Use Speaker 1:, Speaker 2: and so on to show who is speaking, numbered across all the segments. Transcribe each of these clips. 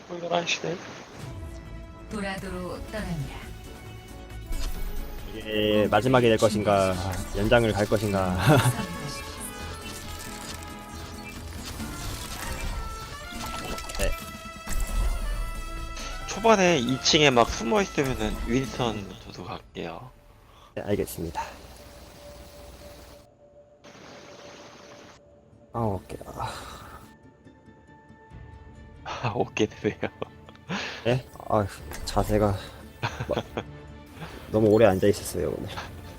Speaker 1: 11시네.
Speaker 2: 도라도로 떠납니다.
Speaker 3: 이게 마지막이 될 것인가 연장을 갈 것인가. 네.
Speaker 1: 초반에 2층에 막 숨어 있으면은 윈선 저도 갈게요.
Speaker 3: 네, 알겠습니다. 오케이.
Speaker 1: 오게 되네요.
Speaker 3: 네? 자세가 너무 오래 앉아 있었어요 오늘.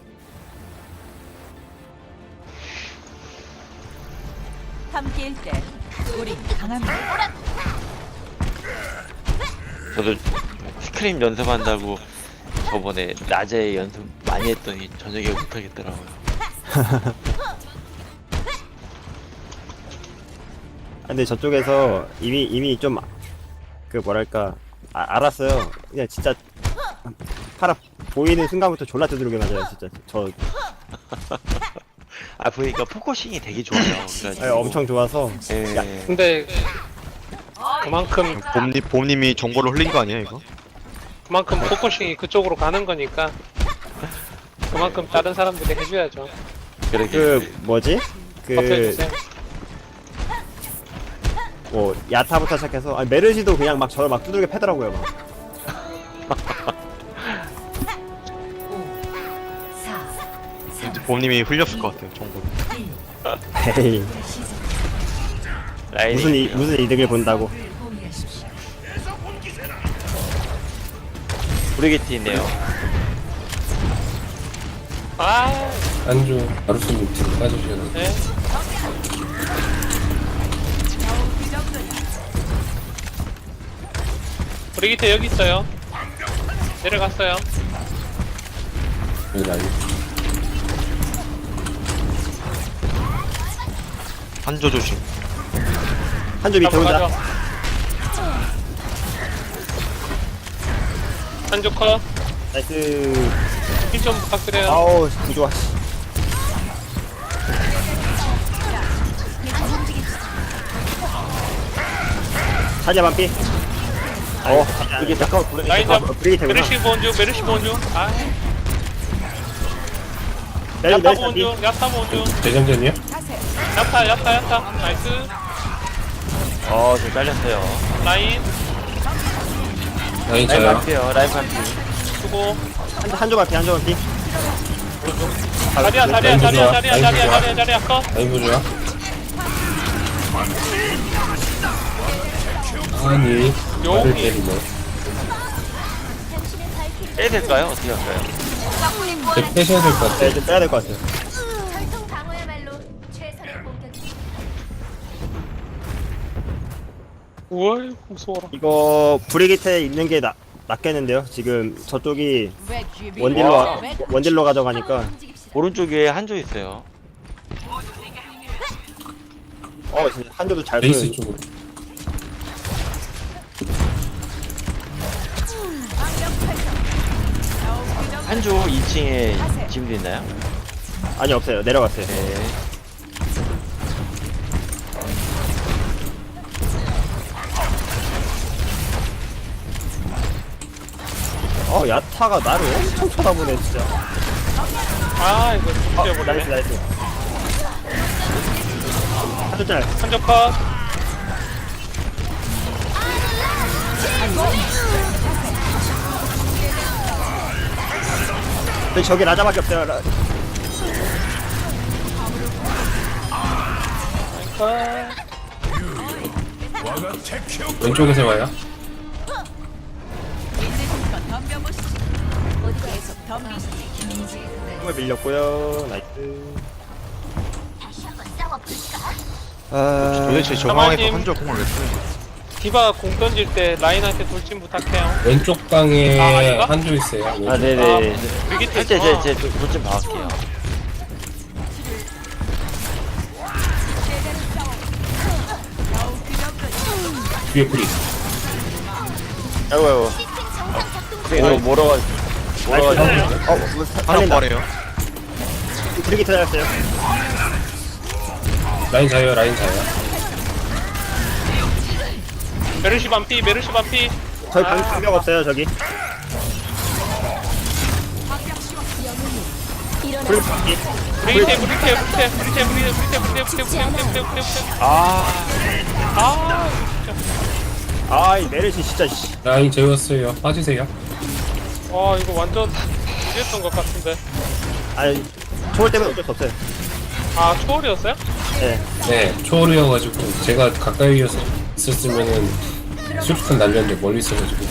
Speaker 2: 함께일 때 우린 강합니다.
Speaker 1: 저도 스크림 연습한다고 저번에 낮에 연습 많이 했더니 저녁에 못하겠더라고요.
Speaker 3: 근데 저쪽에서 이미 좀 그 뭐랄까 알았어요. 그냥 진짜 팔아 보이는 순간부터 졸라 두드러게 맞아요 진짜.
Speaker 1: 아 보니까 포커싱이 되게 좋아요. 그래가지고.
Speaker 3: 엄청 좋아서.
Speaker 1: 예.
Speaker 3: 야,
Speaker 4: 근데 그만큼
Speaker 5: 봄님이 정보를 흘린 거 아니야 이거?
Speaker 4: 포커싱이 그쪽으로 가는 거니까 그만큼 다른 사람들이 해줘야죠.
Speaker 3: 그 뭐지? 그
Speaker 4: 버텨주세요.
Speaker 3: 뭐 야타부터 시작해서 메르시도 그냥 막 저를 막 두들겨 패더라고요 막.
Speaker 2: 5, 4, 3,
Speaker 5: 봄님이 흘렸을 것 같아요 정보.
Speaker 2: 1.
Speaker 3: 에이
Speaker 1: 라인이
Speaker 3: 무슨 이득을 본다고.
Speaker 2: 포기하십시오.
Speaker 1: 브리게티 있네요.
Speaker 4: 아,
Speaker 6: 안주 아루스님 뒤로 빠지셔야 돼.
Speaker 4: 네. 브리기테 여기 있어요. 내려갔어요.
Speaker 6: 여기 라인.
Speaker 5: 한조 조심.
Speaker 3: 한조 밑에 혼자.
Speaker 4: 한조 컷.
Speaker 3: 나이스.
Speaker 4: 힐 좀 부탁드려요.
Speaker 3: 아우 부좋아. 사자 반피. 이게 잠깐만
Speaker 4: 라인 잡.
Speaker 3: 브리기테구나.
Speaker 4: 메르시 본주, 메르시 본주. 아,
Speaker 3: 메르시
Speaker 4: 야타
Speaker 3: 반피.
Speaker 4: 본주, 야타 본주.
Speaker 6: 대장전이요?
Speaker 4: 야타. 나이스.
Speaker 1: 저 잘렸어요.
Speaker 4: 라인
Speaker 6: 라인
Speaker 1: 라인
Speaker 6: 저요.
Speaker 1: 반피요. 라인 반피.
Speaker 4: 수고.
Speaker 3: 한조 반피 한조 반피.
Speaker 4: 자리야 컷.
Speaker 6: 라인 보조야. 아니 말을
Speaker 4: 용이.
Speaker 6: 때리네.
Speaker 1: 빼야 될까요? 어떻게 할까요?
Speaker 6: 제 빼셔야 될 것 같아.
Speaker 3: 네, 좀 빼야 될 것 같아요.
Speaker 7: 철통 방어야말로 최선의 공격이.
Speaker 4: 우와, 무서워라.
Speaker 3: 이거 브리기테 있는 게 낫겠는데요. 지금 저쪽이
Speaker 1: 와.
Speaker 3: 원딜로 가져가니까.
Speaker 1: 오른쪽에 한조 있어요.
Speaker 3: 진짜 한조도 잘
Speaker 6: 베이스
Speaker 3: 보여요.
Speaker 6: 쪽으로.
Speaker 1: 한조 2층에 짐도 있나요?
Speaker 3: 아니 없어요. 내려갔어요.
Speaker 1: 네.
Speaker 3: 야타가 나를 엄청 쳐다보네 진짜.
Speaker 4: 아, 이거
Speaker 3: 나이스
Speaker 4: 죽여버리네.
Speaker 3: 나이스. 한조 짤.
Speaker 4: 한조 컷.
Speaker 3: 근데 저기 라자밖에 없어요.
Speaker 4: 컷.
Speaker 6: 왼쪽에서 와요.
Speaker 3: 힘을 밀렸고요. 나이스.
Speaker 5: 도대체 저
Speaker 4: 사마님.
Speaker 5: 상황에서 한조 공을 왜 쓰는
Speaker 4: 디바 공 던질 때 라인한테 돌진 부탁해요.
Speaker 6: 왼쪽 방에
Speaker 4: 아닌가?
Speaker 6: 한조 있어요.
Speaker 1: 아,
Speaker 6: 왼쪽.
Speaker 1: 네네.
Speaker 4: 브리기테.
Speaker 1: 제 돌좀 봐갈게요.
Speaker 6: 뒤에 프리.
Speaker 1: 아이고. 이거 몰아가지고.
Speaker 3: 뭐
Speaker 5: 하나
Speaker 3: 살린다.
Speaker 5: 말해요.
Speaker 3: 브리기테 잘했어요.
Speaker 6: 라인 자요.
Speaker 4: 메르시 반피 메르시 반피.
Speaker 3: 저희 방벽 없어요 저기. 불 방기.
Speaker 4: 브리테.
Speaker 3: 아이 메르시 진짜 씨.
Speaker 6: 라인 재웠어요. 빠지세요.
Speaker 4: 와 이거 완전 이랬던 것 같은데.
Speaker 3: 아니 초월 때문에 어쩔 수 없어요.
Speaker 4: 아 초월이었어요?
Speaker 3: 네.
Speaker 6: 네, 초월이어가지고 제가 가까이 있었으면은 수류탄 날렸는데 멀리 있어가지고.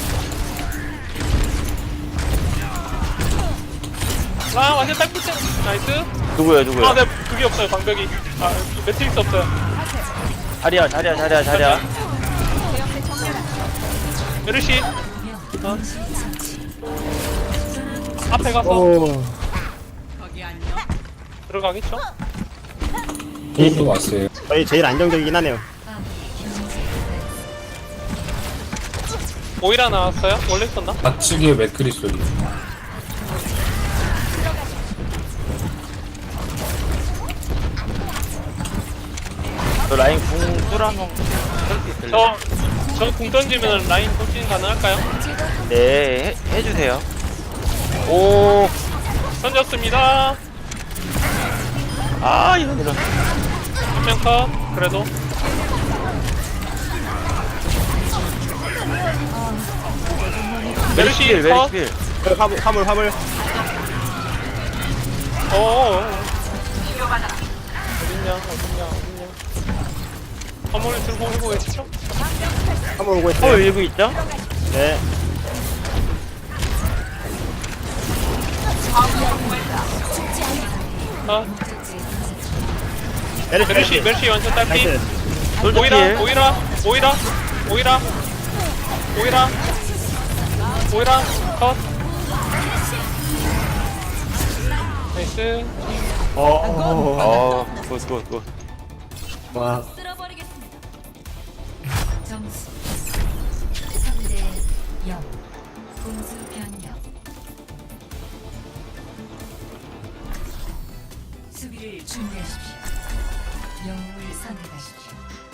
Speaker 4: 아 완전 딸꾹질. 나이스.
Speaker 1: 누구야 누구야?
Speaker 4: 아네 그게 없어요 방벽이. 아 매트릭스 없어요.
Speaker 1: 자리야.
Speaker 4: 메르시. 앞에 가서
Speaker 3: 오.
Speaker 4: 들어가겠죠?
Speaker 6: 또 왔어요.
Speaker 3: 저희 제일 안정적이긴 하네요.
Speaker 4: 오이라 나왔어요? 원래 있었나?
Speaker 6: 좌측에 맥크리 소리.
Speaker 1: 저 라인 궁 뚫어놓은 썰수 있을래?
Speaker 4: 저궁 던지면 라인 돌진 가능할까요?
Speaker 1: 네 해주세요. 오.
Speaker 4: 던졌습니다.
Speaker 1: 아 이런.
Speaker 4: 한명 컷. 그래도 메르시 컷.
Speaker 1: 메르시.
Speaker 3: 화물.
Speaker 4: 어어어. 어딨냐? 화물을 들고 오고 계시죠?
Speaker 3: 화물 오고 있어요.
Speaker 1: 밀고 있죠?
Speaker 3: 네.
Speaker 4: 아,
Speaker 3: 메르시.
Speaker 4: 메르시 완전 딸피.
Speaker 3: 나이스.
Speaker 1: 솔직히
Speaker 4: 오이라 컷. 나이스.
Speaker 1: 굿.
Speaker 3: 와.
Speaker 2: 점수 3대 0. 공수 변경. 수비를 준비하십시오. 영웅을 선택하십시오.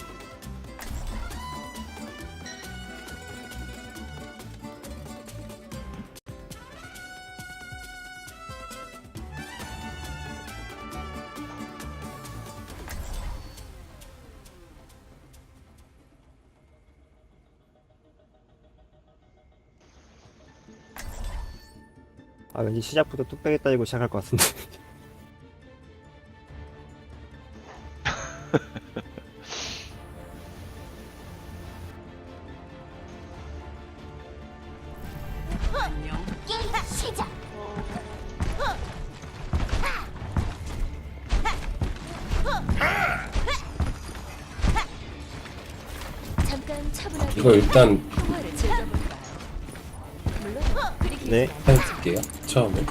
Speaker 3: 아 왠지 시작부터 뚝배기 따지고 시작할 것 같은데.
Speaker 7: 게임 시작. 잠깐 차분하게
Speaker 6: 이거 일단
Speaker 7: 통화를 즐겨볼까요? 물론 그리기
Speaker 3: 네.
Speaker 6: 해볼게요. 처음에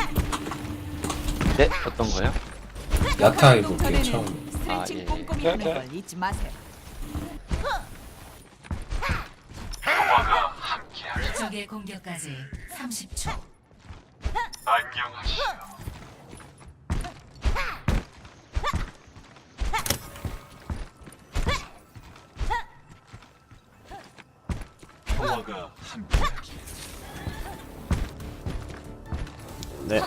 Speaker 1: 네 어떤 거요?
Speaker 6: 야타 해볼게요. 처음에.
Speaker 2: 스트레칭
Speaker 1: 예.
Speaker 2: 꼼꼼히
Speaker 4: 네,
Speaker 2: 하는
Speaker 4: 네.
Speaker 2: 걸 잊지 마세요. 적의 공격까지 30초.
Speaker 3: 네.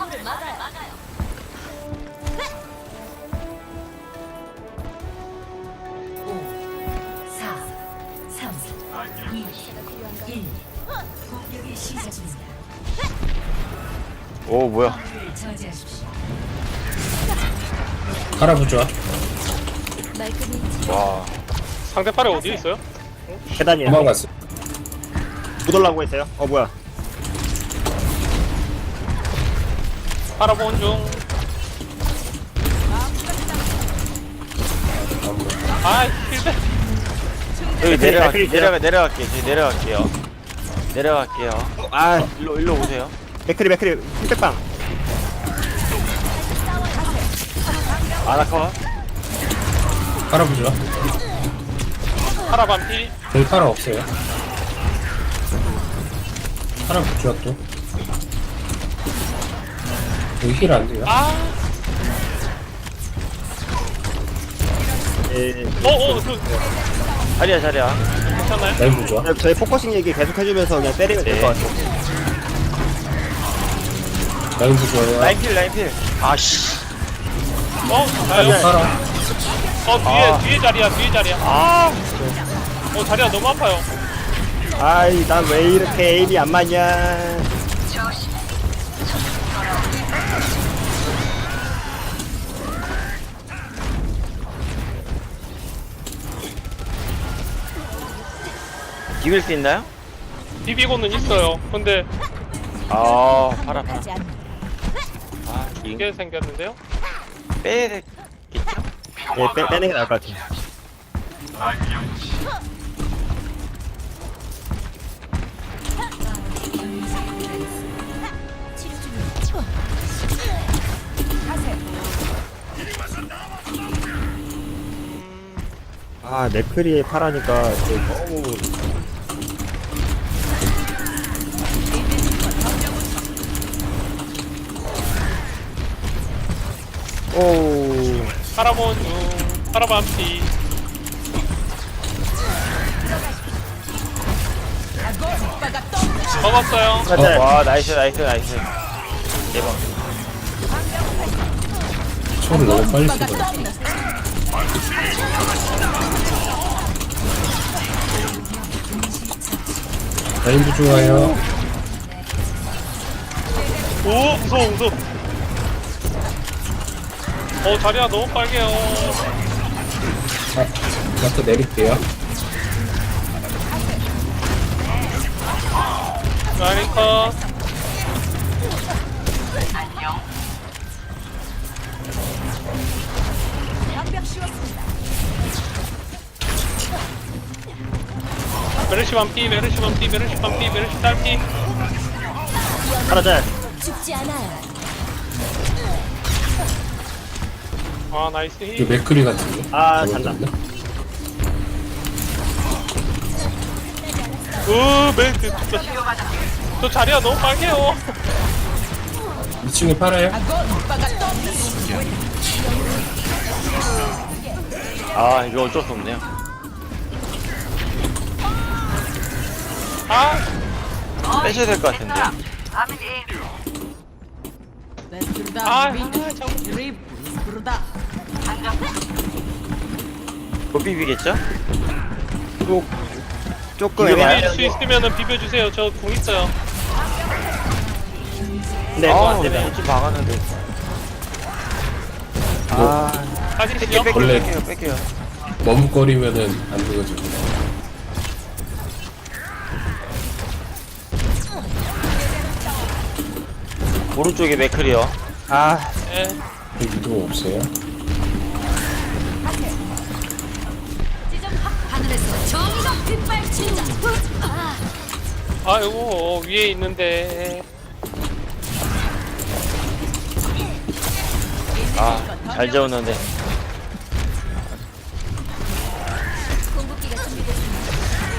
Speaker 2: 4, 3, 2, 1. 공격이 시작됩니다.
Speaker 1: 오 뭐야?
Speaker 2: 공격을 저지하십시오.
Speaker 6: 할아버지와
Speaker 7: 말끔히
Speaker 1: 와.
Speaker 4: 상대 팔에 어디 있어요?
Speaker 3: 계단이에요.
Speaker 6: 도망갔어.
Speaker 3: 못 올라오고 있어요. 뭐야?
Speaker 4: 바라본 중. 아, 힐백.
Speaker 1: 여기
Speaker 3: 맥크리 있어요.
Speaker 1: 내려갈게요. 내려갈게요.
Speaker 3: 아
Speaker 1: 일로 오세요.
Speaker 3: 맥크리 힐백방.
Speaker 1: 아나카.
Speaker 6: 할아버지와
Speaker 4: 파라 반피.
Speaker 6: 저희 팔아 없어요. 할아버지와 또 여기 힐 안 돼요.
Speaker 4: 아,
Speaker 3: 예.
Speaker 4: 그,
Speaker 1: 자리야.
Speaker 4: 괜찮아요?
Speaker 6: 라인 부좋아.
Speaker 3: 저희 포커싱 얘기 계속 해주면서 그냥 때리면 될 것 같아요.
Speaker 6: 라인 부좋아요.
Speaker 1: 라인필.
Speaker 5: 아씨.
Speaker 4: 나요?
Speaker 6: 팔아.
Speaker 4: 뒤에 자리야. 자리야 너무 아파요.
Speaker 3: 아이, 난 왜 이렇게 에임이 안 맞냐.
Speaker 1: 비빌 수 있나요?
Speaker 4: 비비고는 있어요. 근데
Speaker 1: 아, 팔아.
Speaker 7: 하지 않는
Speaker 1: 아,
Speaker 4: 이게 생겼는데요?
Speaker 1: 빼야 되겠죠?
Speaker 3: 예, 빼는 게 나을 것 같아요.
Speaker 7: 치료 중이야.
Speaker 3: 아, 맥크리에 파라니까 너무. 오.
Speaker 4: 파라본 중. 파라반피. 먹었어요.
Speaker 3: 맞아.
Speaker 1: 와, 나이스. 대박.
Speaker 6: 초를 너무 빨리 쏘다. 라인 부좋아요.
Speaker 4: 오, 무서워. 자리야 너무 빨개요.
Speaker 6: 마트 내릴게요.
Speaker 4: 라인 컷. 메르시 반피, 메르시 딸피.
Speaker 3: 파라 잘.
Speaker 7: 죽지 않아요.
Speaker 4: 아, 나이스
Speaker 6: 이
Speaker 4: 힐.
Speaker 6: 맥크리 같은데.
Speaker 3: 아, 잔다.
Speaker 4: 멘트 진짜. 저 자리야 너무 빨개요.
Speaker 6: 2층에 팔아요.
Speaker 1: 아, 이거 어쩔 수 없네요. 빼셔야 될 것 같은데. 못 비비겠죠?
Speaker 3: 조금
Speaker 1: 이거
Speaker 3: 애매해요.
Speaker 4: 비빌 수 있으면은 비벼주세요. 저 궁 있어요.
Speaker 3: 네,
Speaker 1: 아,
Speaker 3: 네.
Speaker 1: 그렇지 막았는데.
Speaker 3: 아,
Speaker 4: 빠지시죠?
Speaker 6: 원래
Speaker 1: 뺄게요.
Speaker 6: 머뭇거리면은 안 되거든요.
Speaker 1: 오른쪽에 맥클이요.
Speaker 3: 아,
Speaker 4: 네.
Speaker 6: 유도 없어요.
Speaker 2: 하늘에서 정의가 빗발친다.
Speaker 4: 아이고, 위에 있는데.
Speaker 1: 아, 잘 재웠는데.
Speaker 7: 공급기가 준비됐습니다.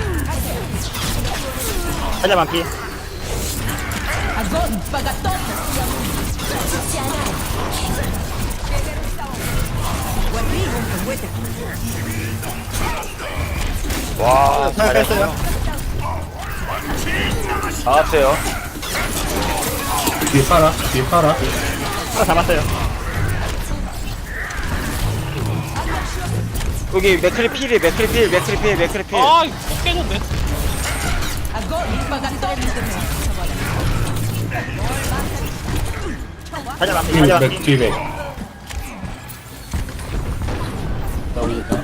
Speaker 3: 한자 만피.
Speaker 7: 죽지 않아요.
Speaker 1: 와,
Speaker 3: 잘 뺐어요.
Speaker 1: 나왔어요.
Speaker 6: 뒤에 팔아.
Speaker 3: 하나 잡았어요.
Speaker 1: 여기 맥클이 필.
Speaker 4: 아, 이거 또 깨졌네.
Speaker 3: 한자 만피. 한자 만피.
Speaker 6: 뒤에 맥. 나옵니다.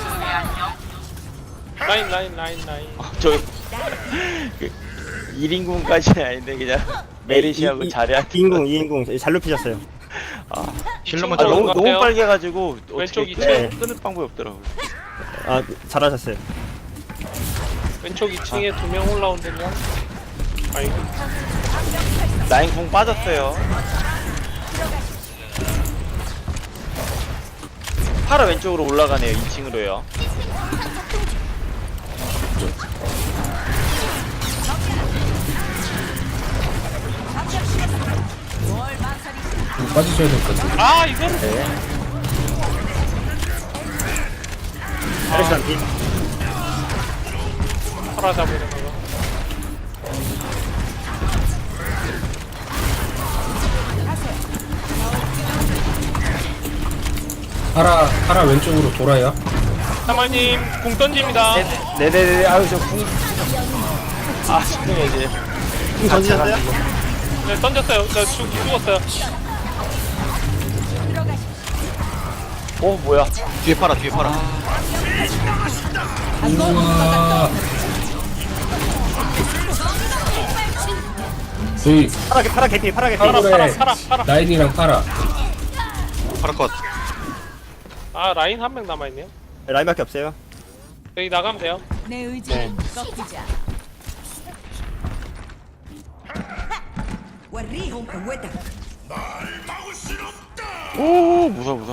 Speaker 4: 라인.
Speaker 1: 저, 1인궁까지는 아닌데, 그냥. 메리시하고 자리한.
Speaker 3: 2인궁 잘 눕히셨어요.
Speaker 5: 힐러만
Speaker 1: 아,
Speaker 5: 잡아.
Speaker 1: 너무
Speaker 4: 같아요.
Speaker 1: 빨개가지고.
Speaker 4: 왼쪽
Speaker 1: 어떻게
Speaker 3: 이층.
Speaker 1: 끊을 방법이 없더라고요.
Speaker 3: 아, 잘하셨어요.
Speaker 4: 왼쪽 2층에 2명 올라온대요. 아이고.
Speaker 1: 라인 궁 빠졌어요. 파라 왼쪽으로 올라가네요. 2층으로요.
Speaker 6: 빠지셔야 될 것 같은데.
Speaker 4: 아, 이거를.
Speaker 3: 메르시 만피.
Speaker 4: 파라 잡으는 거.
Speaker 6: 파라 왼쪽으로 돌아요.
Speaker 4: 사마님 궁 던집니다.
Speaker 3: 네네네. 아유 저 궁
Speaker 1: 집중해야지.
Speaker 3: 던지셨어요?
Speaker 4: 네, 던졌어요. 저 죽었어요.
Speaker 1: 오 뭐야? 뒤에 팔아 뒤에 팔아.
Speaker 6: 우와. 저희
Speaker 3: 파라 개피 파라 개피.
Speaker 4: 파라.
Speaker 6: 라인이랑 파라.
Speaker 1: 팔아 컷.
Speaker 4: 아 라인 한 명 남아있네요.
Speaker 3: 라인밖에 없어요.
Speaker 4: 여기 나가면 돼요.
Speaker 7: 내 의지는 꺾이지 않아.
Speaker 1: 오 무서워.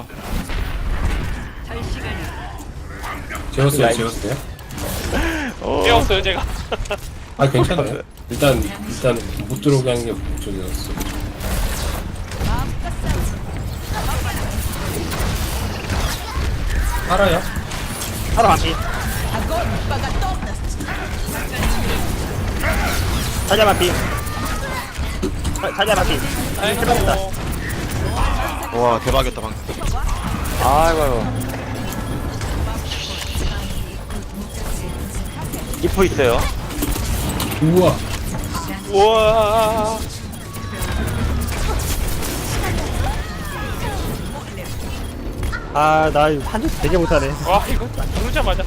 Speaker 6: 재웠어요.
Speaker 4: 깨웠어요 제가.
Speaker 6: 아 괜찮아요. 일단 못 들어오게 하는 게 저기였어. 파라요?
Speaker 3: 파라 반피. 사자 반피. 사자 반피.
Speaker 4: 아이고.
Speaker 1: 와 대박이었다 방금. 아이고. 리퍼 있어요.
Speaker 6: 우와.
Speaker 4: 우와.
Speaker 3: 아, 나 한줄 되게 못하네.
Speaker 4: 와 이거 누르자마자.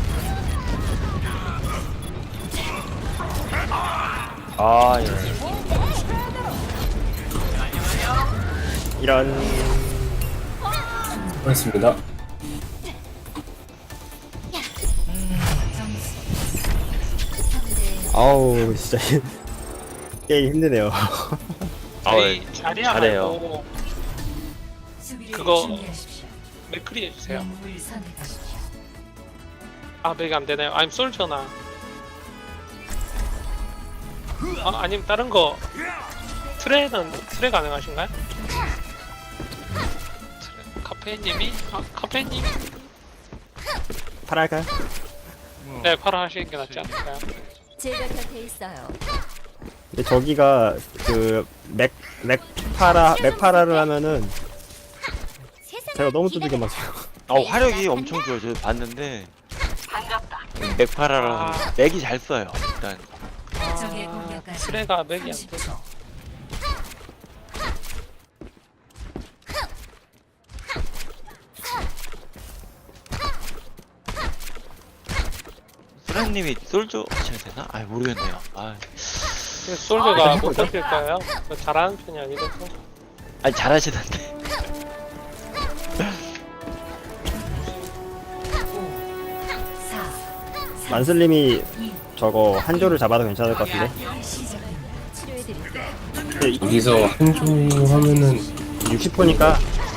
Speaker 1: 아 예.
Speaker 3: 이런.
Speaker 6: 고맙습니다.
Speaker 3: 아우, 진짜. 게임 힘드네요.
Speaker 4: 저희 자리야
Speaker 1: 잘해요.
Speaker 4: 말고 그거 맥크리 해주세요. 아 맥이 안 되나요? 아니면 솔저나. 아 아니면 다른 거. 트레 가능하신가요? 카페님이 카페님.
Speaker 3: 파라 할까요?
Speaker 4: 네 파라 하시는 게 낫지 않을까요?
Speaker 7: 제가 곁에 있어요.
Speaker 3: 근데 저기가 그 맥파라를 하면은 제가 너무 두들겨 맞아요.
Speaker 1: 화력이 엄청 좋아요. 저 봤는데 맥파라랑 맥이 잘 써요. 일단
Speaker 4: 트레가 맥이 안 돼서.
Speaker 1: 수라님이 솔저 하셔야 되나? 아 모르겠네요. 아
Speaker 4: 솔저가 못 버틸 거예요. 잘하는 편이 아니라서.
Speaker 1: 아니 잘하시던데.
Speaker 3: 만슬님이 저거 한조를 잡아도 괜찮을 것 같은데.
Speaker 7: 치료해드릴게요.
Speaker 3: 근데
Speaker 6: 여기서 한조 하면은
Speaker 3: 60%니까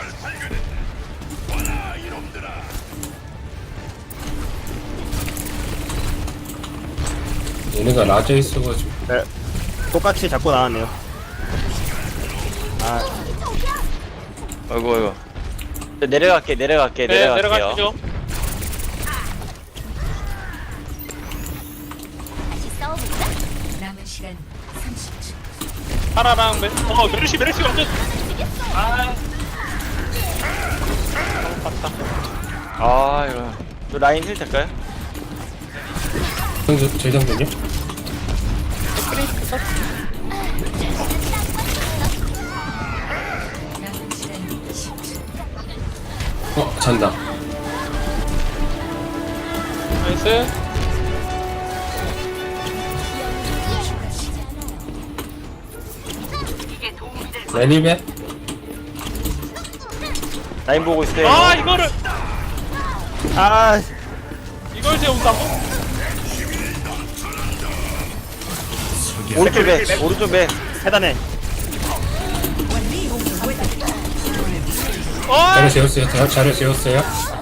Speaker 6: 얘네가 라져 있어가지고.
Speaker 3: 네, 똑같이 잡고 나왔네요. 아,
Speaker 1: 아이고. 내려갈게.
Speaker 4: 네
Speaker 1: 내려갈게요.
Speaker 4: 내려가시죠.
Speaker 7: 다시 싸워볼까? 남은 시간 30초.
Speaker 4: 파라랑 메르시 완전. 아. 너무 봤다.
Speaker 1: 아 이거. 저 라인 힐 될까요?
Speaker 6: 재장전요? 잔다.
Speaker 4: 나이스.
Speaker 6: 레니베?
Speaker 1: 라인 보고 있어요.
Speaker 4: 아 이거를
Speaker 3: 아,
Speaker 4: 이걸 세운다고?
Speaker 1: 오른쪽 배.
Speaker 3: 해단해.
Speaker 6: 자료 재웠어요. 자료 재웠어요.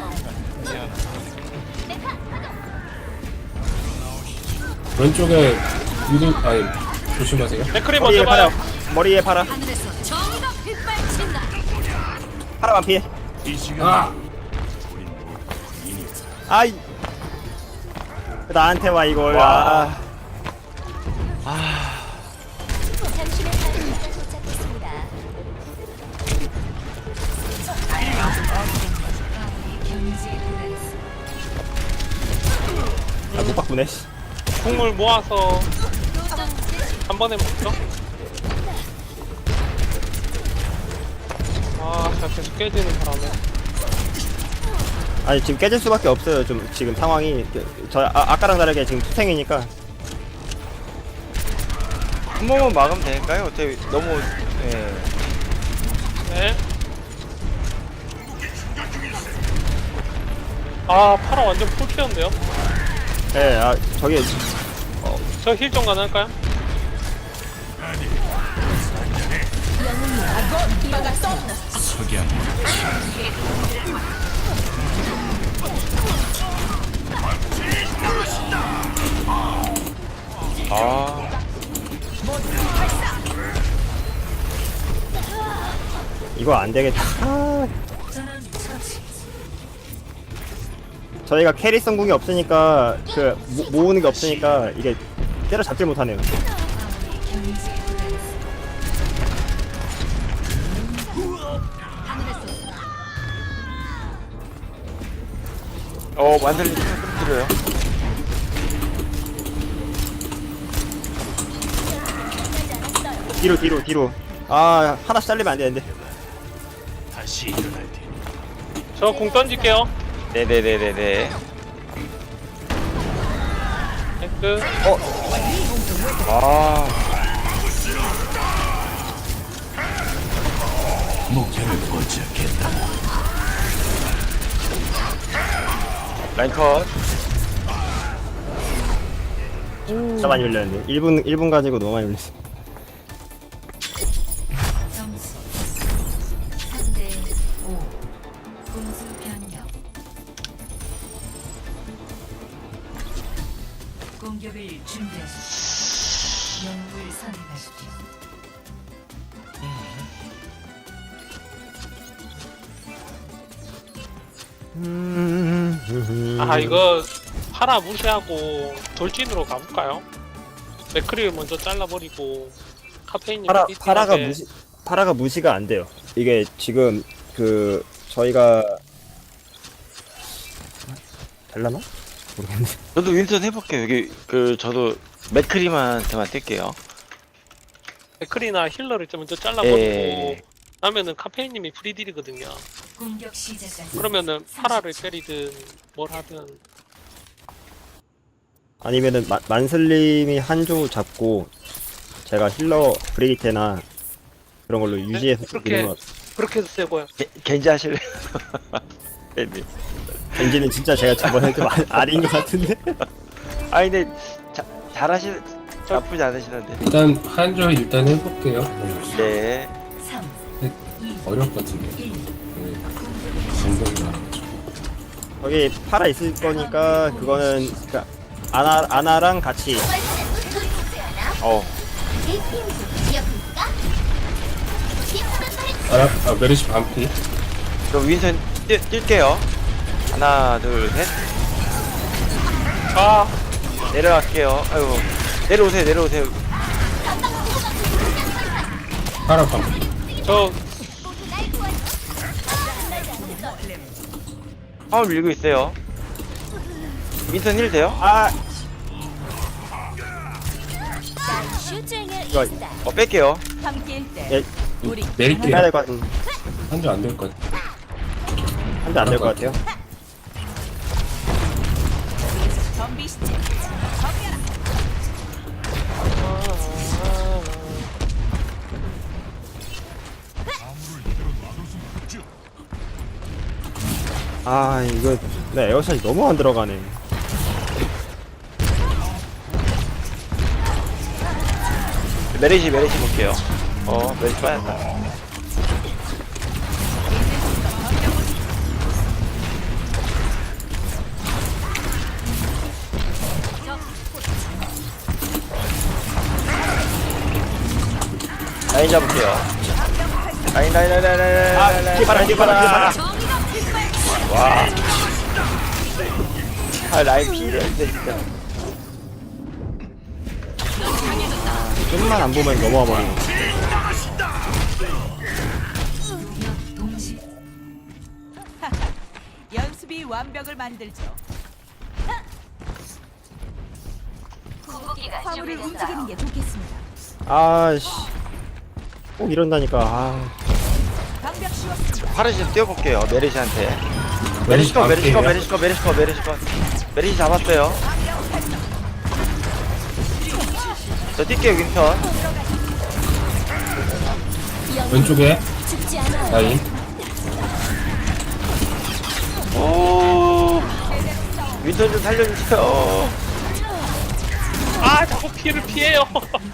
Speaker 6: 왼쪽에 위도 아니 조심하세요.
Speaker 4: 맥크리
Speaker 3: 머리에
Speaker 4: 먼저
Speaker 3: 파라.
Speaker 4: 봐요.
Speaker 3: 머리에 파라.
Speaker 2: 하늘에서 정의가 빗발친다.
Speaker 3: 파라 반피.
Speaker 6: 아
Speaker 3: 아이. 나한테 와 이걸.
Speaker 1: 와.
Speaker 7: 당신의 사랑이 도착했습니다.
Speaker 3: 아, 못 바꾸네. 씨.
Speaker 4: 국물 모아서 한 번에 먹죠? 아, 제가 계속 깨지는 바람에.
Speaker 3: 아니, 지금 깨질 수밖에 없어요. 좀, 지금 상황이. 아까랑 다르게 지금 투탱이니까.
Speaker 1: 한 번만 막으면 될까요? 어차피 너무 예.
Speaker 4: 네. 아, 파라 완전 풀피였는데요?
Speaker 3: 예, 아, 저기,
Speaker 4: 저 힐 좀 가능할까요?
Speaker 1: 아
Speaker 3: 이거 안 되겠다. 아. 저희가 캐리성 궁이 없으니까, 모으는 게 없으니까, 이게 때려잡질 못하네요.
Speaker 1: 완전히 끊어요.
Speaker 3: 뒤로. 아, 하나씩 잘리면 안 되는데.
Speaker 4: 저 공 던질게요.
Speaker 1: 네네네네네.
Speaker 4: 엑스.
Speaker 1: 아 라인 컷.
Speaker 3: 진짜 많이 밀렸는데. 1분 가지고 너무 많이 밀렸어.
Speaker 7: 점수 3대 5. 공수 변경. 공격을 준비하십시오. 영웅을 선택하십시오.
Speaker 4: 아, 이거 파라 무시하고 돌진으로 가볼까요? 맥크리를 먼저 잘라버리고 카페인이
Speaker 3: 파라가 무시가 안 돼요. 이게 지금, 저희가, 될라나? 모르겠네.
Speaker 1: 저도 윈선 해볼게요. 여기 저도 맥크리만한테만 뛸게요.
Speaker 4: 맥크리나 힐러를 좀 먼저 잘라버리고
Speaker 1: 예.
Speaker 4: 하면은 카페인님이 프리딜이거든요.
Speaker 7: 공격 시작까지.
Speaker 4: 그러면은 파라를 때리든 뭘 하든.
Speaker 3: 아니면은, 만슬님이 한조 잡고, 제가 힐러 브리기테나 그런 걸로 유지해서
Speaker 4: 그렇게-
Speaker 3: 이런 거.
Speaker 4: 그렇게 해도 세고요.
Speaker 1: 겐지 하실래요? 겐지.
Speaker 3: 겐지는 진짜 제가 저번에 좀 아린 것 같은데?
Speaker 1: 아 근데 나쁘지 않으시는데.
Speaker 6: 일단 한조 일단 해볼게요.
Speaker 1: 네.
Speaker 7: 3,
Speaker 6: 어려울 것 같은데.
Speaker 7: 1.
Speaker 6: 정답이 나와가지고.
Speaker 3: 거기 파라 있을 거니까, 그거는, 아나랑 같이.
Speaker 6: 메르시 반피.
Speaker 1: 그럼 윈선 뛸게요. 하나, 둘, 셋.
Speaker 4: 아,
Speaker 1: 내려갈게요. 아이고. 내려오세요.
Speaker 6: 파라 반피.
Speaker 4: 저
Speaker 1: 화물 밀고 있어요. 윈선 힐 돼요?
Speaker 3: 아,
Speaker 7: 슈쟁의
Speaker 3: 이거-
Speaker 7: 이스타.
Speaker 1: 뺄게요.
Speaker 7: 함께일 때
Speaker 3: 예,
Speaker 7: 우리
Speaker 6: 메릴게요.
Speaker 3: 해야 될 것 같은.
Speaker 6: 한조 안 될 것 같아.
Speaker 3: 한대 안 될 것 같아요.
Speaker 7: 덤비시지.
Speaker 3: 아, 이거, 에어샷이 너무 안 들어가네.
Speaker 1: 메리시 볼게요. 메리시 빠졌다. 라인 잡을게요. 라인.
Speaker 3: 뒤에 봐라.
Speaker 1: 와. 아, 라인 피해야 돼, 진짜.
Speaker 3: 좀만 안 보면 넘어와 버리고.
Speaker 7: 동시
Speaker 2: 연습이 완벽을 만들죠. 화물을 움직이는 게 좋겠습니다.
Speaker 3: 아씨. 꼭 이런다니까. 아.
Speaker 2: 방벽 씌웠습니다.
Speaker 1: 파르시 좀 뛰어볼게요. 메리시한테.
Speaker 6: 메리시
Speaker 1: 메리시컷
Speaker 6: 반피예요.
Speaker 1: 메리시컷. 메리시 잡았어요. 저 뛸게요 윈턴.
Speaker 6: 왼쪽에
Speaker 2: 죽지 않아.
Speaker 6: 라인.
Speaker 1: 오. 윈턴 좀 살려주세요.
Speaker 4: 아 자꾸 피를 피해요.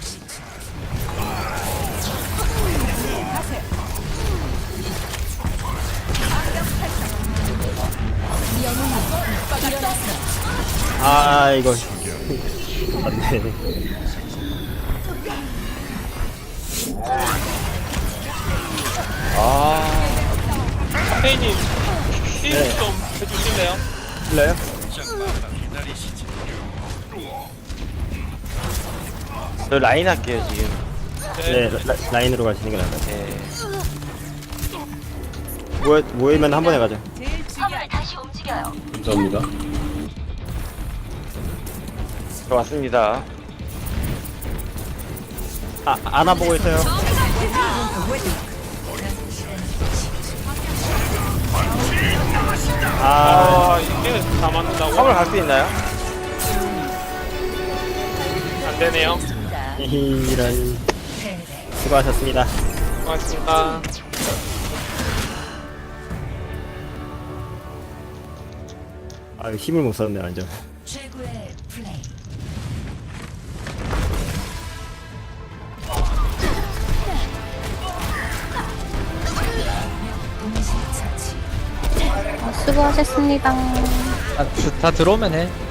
Speaker 3: 아 이거. 안돼.
Speaker 1: 아.
Speaker 4: 페이님 힐
Speaker 3: 네.
Speaker 4: 좀 해주실래요?
Speaker 3: 실래요?
Speaker 1: 저 라인 할게요 지금.
Speaker 3: 네 라인으로 가시는 게 나을 것 같아요.
Speaker 1: 네.
Speaker 3: 모이면 한 번에 가죠.
Speaker 2: 제일 중요한
Speaker 6: 감사합니다.
Speaker 1: 저 왔습니다.
Speaker 3: 아 안아 보고 있어요. 아
Speaker 4: 아 이게 다 맞는다고?
Speaker 1: 화물 갈 수 있나요?
Speaker 4: 안 되네요.
Speaker 3: 이런. 수고하셨습니다.
Speaker 4: 고맙습니다.
Speaker 3: 아 힘을 못 썼네 완전.
Speaker 7: 최고의 플레이. 동시 처치.
Speaker 8: 수고하셨습니다.
Speaker 5: 다 들어오면 해.